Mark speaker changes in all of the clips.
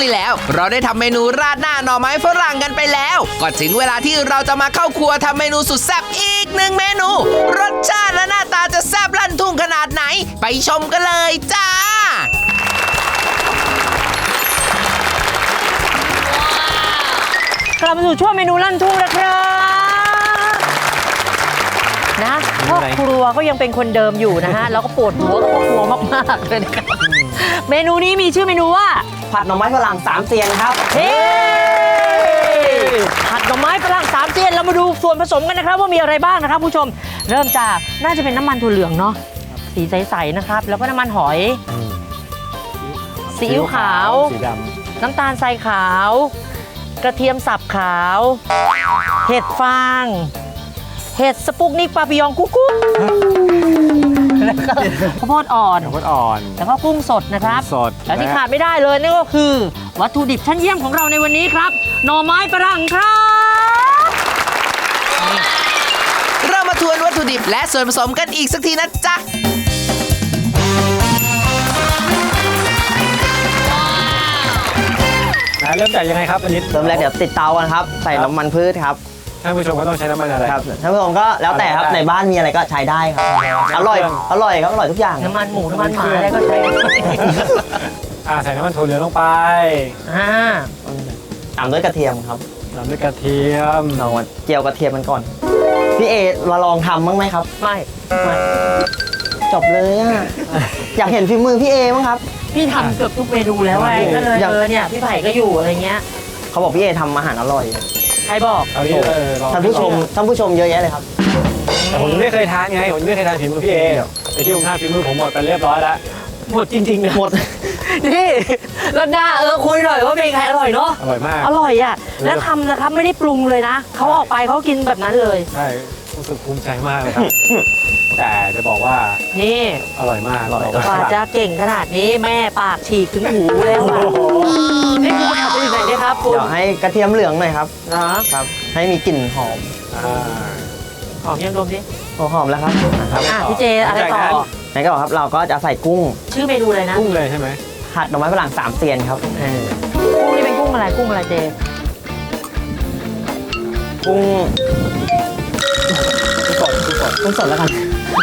Speaker 1: ที่แล้วเราได้ทำเมนูราดหน้าหน่อไม้ฝรั่งกันไปแล้วก็ถึงเวลาที่เราจะมาเข้าครัวทำเมนูสุดแซ่บอีกหนึ่งเมนูรสชาติและหน้าตาจะแซ่บลั่นทุ่งขนาดไหนไปชมกันเลยจ้าก
Speaker 2: ลับมาสู่ช่วงเมนูลั่นทุ่งนะครับนะพ่อครัวก็ยังเป็นคนเดิมอยู่นะฮะแล้วก็ปวดหัวกับพ่อครัวมากๆเลยนะครับเมนูนี้มีชื่อเมนูว่า
Speaker 3: ผัดหน่อไม้ฝรั่งสามเซียนครับ
Speaker 2: เฮ้ผัดหน่อไม้ฝรั่งสามเซียนเรามาดูส่วนผสมกันนะครับว่ามีอะไรบ้างนะครับผู้ชมเริ่มจากน่าจะเป็นน้ำมันถั่วเหลืองเนาะสีใสๆนะครับแล้วก็น้ำมันหอยซีอิ๊วขาว
Speaker 4: สีดำ
Speaker 2: น้ำตาลทรายขาวกระเทียมสับขาวเห็ดฟางเห็ดสปุกนิกปาปิยองกุ๊กกุ๊กแล้วก็ข้าวโพดอ่อนแล้วก็กุ้งสดนะครับ
Speaker 4: สด
Speaker 2: แล้วที่ขาดไม่ได้เลยนั่นก็คือวัตถุดิบชั้นเยี่ยมของเราในวันนี้ครับหน่อไม้ฝรั่งครับ
Speaker 1: เรามาทวนวัตถุดิบและส่วนผสมกันอีกสักทีนะจ๊ะ
Speaker 4: เริ่มจากยังไงครับอันนี้
Speaker 3: เริ่มแรกเดี๋ยวติดเตากันครับใส่น้ำมันพืชครับ
Speaker 4: ท่านผู้ชมก็ต้องใช้น้ำมันอะไร
Speaker 3: ครับท่านผู้ชมก็แล้วแต่ครับในบ้านมีอะไรก็ใช้ได้ครับอร่อยครับอร่อยทุกอย่าง
Speaker 2: น้ำมันหมูน้ำมันหมาอะไรก็ใช้
Speaker 4: ใส่น้ำมันถั่วเหลืองลงไป
Speaker 3: ตามด้วยกระเทียมครับ
Speaker 4: ตามด้วยกระเทียม
Speaker 3: เราเจียวกระเทียมมันก่อนพี่เอมาลองทำบ้างไหมครับ
Speaker 2: ไม่
Speaker 3: จบเลยอ่ะอยากเห็นฝีมือพี่เอมั้งครับ
Speaker 2: พี่ทำเกือบทุกเมนูแล้วไงก็เลยเนี่ยพี่ไผ่ก็อยู่อะไรเงี้ย
Speaker 3: เขาบอกพี่เอทำอาหารอร่อย
Speaker 2: ใครบอก
Speaker 3: ท่านผู้ชมเยอะแยะเลยครับ
Speaker 4: แต่ผมไม่เคยทานไงผมไม่เคยทานฝีมือพี่เอไอ้ที่ผมทานฝีมือผมหมดไปเรียบร้อยแล้ว
Speaker 2: หมดจริงๆนะ
Speaker 3: หมด
Speaker 2: นี่แล้วหน้าคุยหน่อยว่าเป็นใครอร่อยเนาะ
Speaker 4: อร่อยมาก
Speaker 2: อร่อยอ่ะแล้วทำนะครับไม่ได้ปรุงเลยนะเขาออกไปเขากินแบบนั้นเลย
Speaker 4: ใช่รู้สึกภูมิใจมากเลยครับแต่จะบอกว่า
Speaker 2: นี่
Speaker 4: อร่อยมาก
Speaker 2: กว่าจะเก่งขนาดนี้แม่ปากฉีกถึงหูแล้วอ่ะนี่คือทำเป็นยังไงได้ครับ
Speaker 3: เดี๋ยวให้กระเทียมเหลืองหน่อยครับครับให้มีกลิ่นหอม
Speaker 2: หอมยังดมดิ
Speaker 3: หอมแล้วครับ
Speaker 2: พี่เจอะไรต่อ
Speaker 3: ไหนก็ครับเราก็จะใส่กุ้ง
Speaker 2: ชื่อเมนูอะไรนะ
Speaker 4: กุ้งเลยใช่ไหม
Speaker 3: ผัดหน่อไม้ฝรั่งสามเซียนครับ
Speaker 2: กุ้งนี่เป็นกุ้งอะไรเจ
Speaker 3: กุ้ง
Speaker 4: สด
Speaker 3: แล้วกัน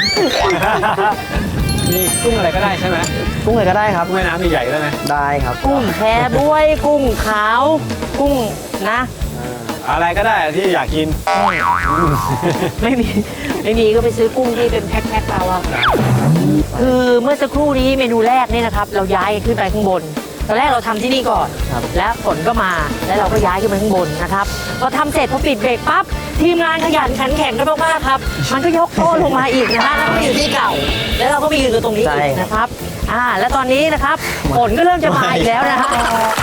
Speaker 4: มีกุ้งอะไรก็ได้ใช่ไหม
Speaker 3: กุ้งอะไรก็ได้ครับ
Speaker 4: กุ้งแม่น้ำใหญ่ๆได้ไหม
Speaker 3: ได้ครับ
Speaker 2: กุ้งแพบ้วยกุ้งขาวกุ้งนะ
Speaker 4: อะไรก็ได้ที่อยากกิน
Speaker 2: ไม่มีก็ไปซื้อกุ้งที่เป็นแพ็คๆเราอะคือเมื่อสักครู่นี้เมนูแรกนี่นะครับเราย้ายขึ้นไปข้างบนตอนแรกเราทำที่นี่ก่อนแล้วฝนก็มาแล้วเราก็ย้ายขึ้นไปข้างบนนะครับพอทำเสร็จพอปิดเบรกปั๊บทีมงานขยันขันแข็งกันมากๆครับมันก็ยกโต๊ะลงมาอีกนะฮะแล้วก็อยู่ที่เก่าแล้วเราก็ไปยืนอยู่ตรงนี้อีกนะครับแล้วตอนนี้นะครับฝนก็เริ่มจะมาอีกแล้วนะฮะ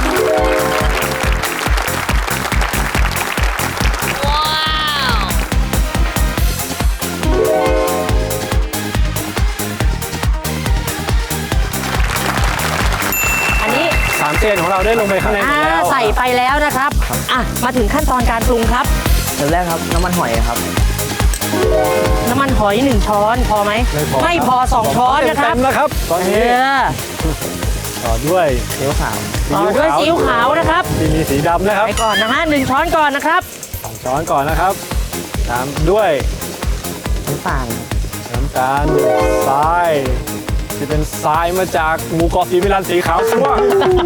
Speaker 4: สามเซียนของเราได้ลงไปข้างในแล้ว
Speaker 2: ใส่ไปแล้วนะครับมาถึงขั้นตอนการปรุงครับ
Speaker 3: เริ่มแรกครับน้ำมันหอยครับ
Speaker 2: น้ำมันหอย1 ช้อนพอไหมไม่พอ2 ช้อนนะครับ
Speaker 4: เต็มแล้วครับตอนนี้ต่อด้วย
Speaker 3: ซีอิ๊วขาว
Speaker 2: ซีอิ๊วขาวนะครับ
Speaker 4: มีสีดำนะครับ
Speaker 2: ไปก่อนนะฮะ1 ช้อนก่อนนะครับ
Speaker 4: 2 ช้อนก่อนนะครับตามด้วย
Speaker 3: น้ำตาล
Speaker 4: ทรายจะเป็นทรายมาจากหมู่เกาะสีมิลันสีขาวซั่ว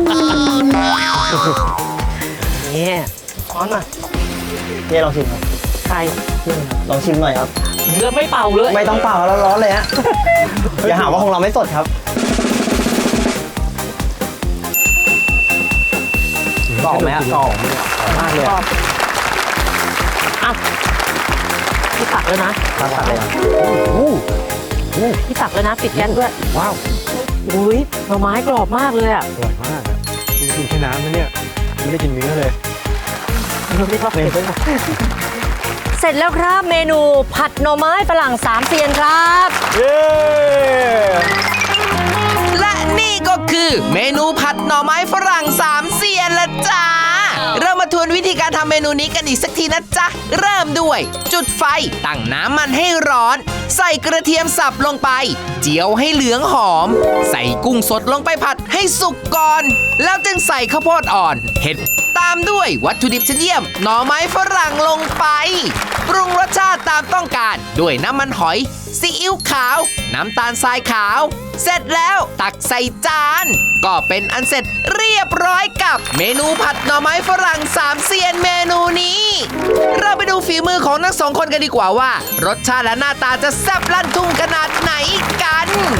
Speaker 2: นี่ช้อนมา
Speaker 3: พี่ลองชิมครับ
Speaker 2: ใคร
Speaker 3: ลองชิมหน่อยครับ
Speaker 2: เนื้อไม่เป่าเลย
Speaker 3: ไม่ต้องเป่าแล้วร้อนเลยฮะอย่าหาว่าของเราไม่สดครับกรอบไหมฮะกรอบมากเลย
Speaker 2: พี่ตักเลยนะ
Speaker 3: ตักเลย
Speaker 2: พี่ตักเลยนะปิดแก๊สด้วย
Speaker 4: ว้าว
Speaker 2: อุ้ยหน่อไม้กรอบมากเลยอ่ะ
Speaker 4: อร่อยมากกินแค่น้ำนะเนี่ยไม่ได้กินเนื้อเลย
Speaker 2: เสร็จแล้วครับเมนูผัดหน่อไม้ฝรั่ง3 เซียนครับ
Speaker 4: เย้
Speaker 1: และนี่ก็คือเมนูผัดหน่อไม้ฝรั่ง3 เซียนละจ้าเรามาทวนวิธีการทำเมนูนี้กันอีกสักทีนะจ๊ะ เริ่มด้วย จุดไฟตั้งน้ำมันให้ร้อน ใส่กระเทียมสับลงไป เจียวให้เหลืองหอม ใส่กุ้งสดลงไปผัดให้สุกก่อน แล้วจึงใส่ข้าวโพดอ่อน เห็ดตามด้วยวัตถุดิบชั้นเยี่ยมหน่อไม้ฝรั่งลงไป ปรุงรสชาติตามต้องการด้วยน้ำมันหอยซีอิ๊วขาว น้ำตาลทรายขาว เสร็จแล้วตักใส่จาน ก็เป็นอันเสร็จเรียบร้อยกับเมนูผัดหน่อไม้ฝรั่งสามเซียนเมนูนี้ เราไปดูฝีมือของทั้งสองคนกันดีกว่าว่า รสชาติและหน้าตาจะแซ่บลั่นทุ่งขนาดไหนกัน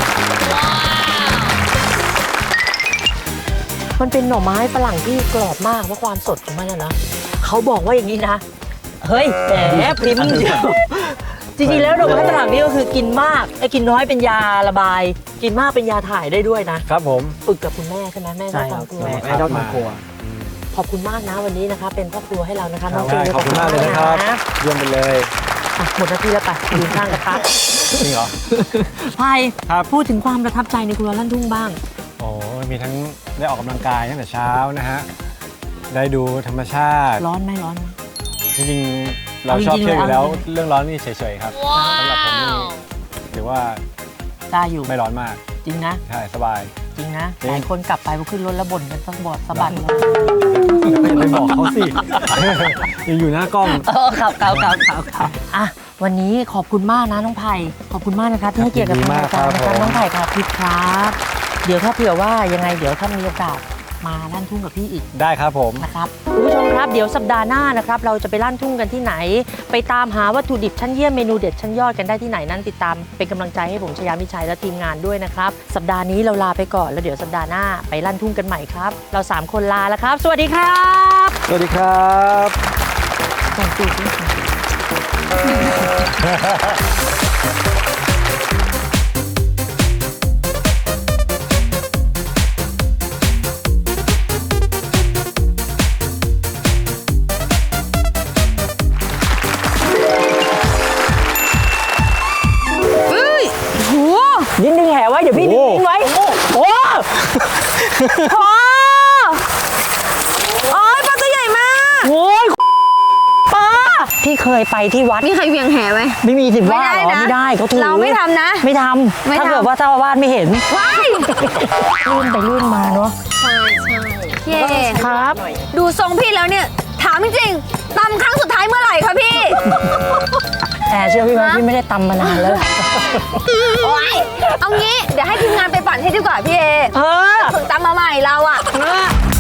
Speaker 2: มันเป็นหน่อไม้ฝรั่งที่กรอบมากเพราะความสดของมันนะ เขาบอกว่าอย่างนี้นะ เฮ้ยแหมพริมเดียวจริงๆแล้วหน่อไม้ฝรั่งนี่ก็คือกินมากกินน้อยเป็นยาระบาย กินมากเป็นยาถ่ายได้ด้วยนะครับ
Speaker 4: ผม
Speaker 2: ฝึกกับคุณแม่ใช่ไหมแม่ชอบทำครัว
Speaker 4: แม่ชอบทำครัว
Speaker 2: ขอบคุณมากนะวันนี้นะคะเป็นพ่อครัวให้เรานะคะ
Speaker 4: ค
Speaker 2: น้
Speaker 4: รั
Speaker 2: อบ งฟิล์ม
Speaker 4: ขอบคุณมากเลยนะครับเยี่ยมไปเลย
Speaker 2: อ่ะหมดหน้าที่แล้วไปยืนข้างกระทะ
Speaker 4: จริงเหรอ
Speaker 2: พาย
Speaker 4: ครับ
Speaker 2: พูดถึงความประทับใจในครัวลั่นทุ่งบ้าง
Speaker 4: โอ้มีทั้งได้ออกกำลังกายตั้งแต่เช้านะฮะ ได้ดูธรรมชาติ
Speaker 2: ร้อนไหมร้อนไหม
Speaker 4: จริงๆ เราชอบเที่ยวอยู่แล้ว เรื่องร้อนนี่เฉยๆครับสำหรับผมนี่ถือว่า
Speaker 2: ได้อยู่
Speaker 4: ไม่ร้อนมาก
Speaker 2: จริงนะ
Speaker 4: ใช่ สบาย
Speaker 2: จริงนะ
Speaker 4: จริง
Speaker 2: หลายคนกลับไปพอขึ้นรถแล้วบ่นกันสะบัดสะบัดเลย
Speaker 4: อย่าไปบอกเขาสิ ยังอยู่หน้ากล้อง
Speaker 2: ครับอ่ะวันนี้ขอบคุณมากนะน้องไผ่ขอบคุณมากนะคะที่ให้เกียรติกับ
Speaker 4: ยินดี
Speaker 2: ทาง
Speaker 4: มาก
Speaker 2: รายการนะ
Speaker 4: ค
Speaker 2: ค
Speaker 4: รั
Speaker 2: รั
Speaker 4: บบ ผม
Speaker 2: น้องไผ่ครับพี่ครับเดี๋ยวถ้าเผื่อว่ายังไงเดี๋ยวถ้ามีโอกาสมาลั่นทุ่งกับพี่อีก
Speaker 4: ได้ครับผม
Speaker 2: นะครับคุณผู้ชมครับเดี๋ยวสัปดาห์หน้านะครับเราจะไปลั่นทุ่งกันที่ไหน ไปตามหาวัตถุดิบชั้นเยี่ยมเมนูเด็ดชั้นยอดกันได้ที่ไหนนั้นติดตามเป็นกำลังใจให้ผมชยามิชัยและทีมงานด้วยนะครับสัปดาห์นี้เราลาไปก่อนแล้วเดี๋ยวสัปดาห์หน้าไปลั่นทุ่งกันใหม่ครับเรา3คนลาแล้วครับ สวัสดีครับ
Speaker 4: สวัสดีครับ
Speaker 2: ส่งจูบด้วยค่ะ ยินดึงแหไว้เดี๋ยวพี่ดึงไว้โอ้โหโอ้ยปลาตัวใหญ่มากโอ้ยปลาพี่เคยไปที่วัด
Speaker 5: มีใครเวียงแหไหม
Speaker 2: ไม่มีสิว่า
Speaker 5: ไม่ได้
Speaker 2: เหรอ
Speaker 5: นะ
Speaker 2: ไม่ได้เขาถือ
Speaker 5: เราไม่ทำนะ
Speaker 2: ไม่ท
Speaker 5: ไม่
Speaker 2: ำ
Speaker 5: ทำ
Speaker 2: ถ้าเกิดว่าเจ้าอาวาสไม่เห็น
Speaker 5: ว้าย
Speaker 2: ลื่นไปลื่นมาเนาะ
Speaker 5: เย่
Speaker 2: ครับ
Speaker 5: ดูทรงพี่แล้วเนี่ย ถามจริงๆตำครั้งสุดท้ายเมื่อไหร่คะพี่
Speaker 2: แต่เชื่อพี่ไหมพี่ไม่ได้ตำมานานแล้ว
Speaker 5: โอ๊ยเอางี้ เดี๋ยวให้ทีมงานไปปั่นให้ดีกว่าพี่เอ
Speaker 2: เออ
Speaker 5: ฝึกตำมาใหม่เราอะ
Speaker 2: เออ